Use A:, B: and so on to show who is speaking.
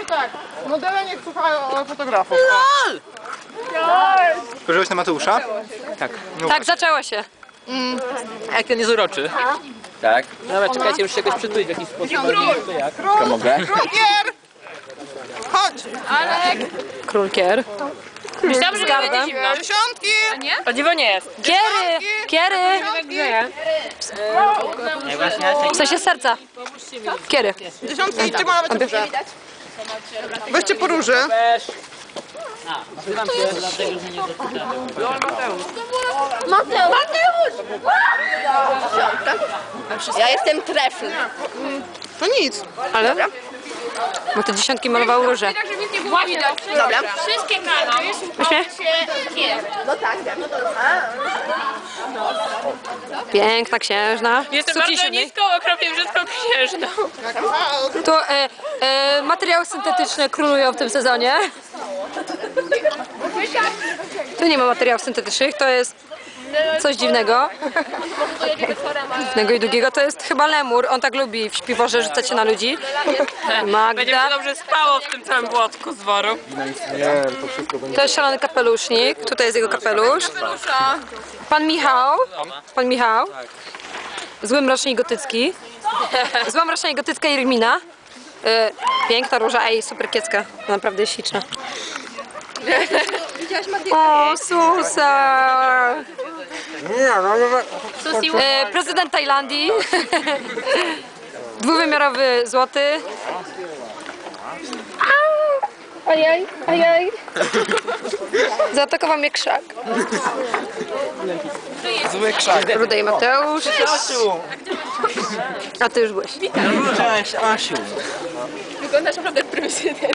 A: tak, modele niech słuchają fotografów.
B: LOL!
C: Spojrzałeś na Mateusza?
B: Tak.
D: Tak, zaczęło się.
B: A jak ten jest uroczy?
E: Tak.
B: Dobra, czekajcie, muszę się jakoś przytulić w jakiś sposób. To jak?
E: To mogę?
A: Krukier! Chodź!
D: Królkier.
F: Myślałam, że
D: Zgadzam.
F: będzie zimno.
A: Dziesiątki!
F: O dziwo nie jest.
D: Kiery! Kiery! W sensie serca. Kiery.
A: Dziesiątki i czy ma nawet róże? Weźcie po róży.
B: Weź. Nazywam się dlatego, że nie doczytałem.
G: Ja jestem trefl.
A: To nic.
D: Ale? Bo te dziesiątki malowały róże.
F: Tak, żeby nic nie było widać.
G: Dobra.
F: Wszystkie kano.
D: Weźmy.
G: No tak,
D: Piękna księżna.
F: Jestem
D: Suki
F: bardzo
D: siódmej.
F: niską, okropnie brzydką księżną.
D: Tu materiały syntetyczne królują w tym sezonie. Tu nie ma materiałów syntetycznych, to jest coś dziwnego. Dziwnego i długiego. To jest chyba lemur, on tak lubi w śpiworze rzucać się na ludzi.
F: Będzie mi
D: Magda.
F: się dobrze spało w tym całym błotku z woru.
D: To jest szalony kapelusznik, tutaj jest jego kapelusz. Pan Michał. Pan Michał. Zły mrocznik gotycki. Zła mrocznik gotycka i Rymina. Piękna róża, ej, super kiecka. Naprawdę jest śliczna. O, Susa! Prezydent Tajlandii. Dwuwymiarowy złoty. Ajaj, ajaj. Zaatakował mnie krzak.
C: Zły krzak.
D: Rudej Mateusz. A ty już byłeś.
E: Cześć, Asiu.
F: Wyglądasz naprawdę prymitywnie.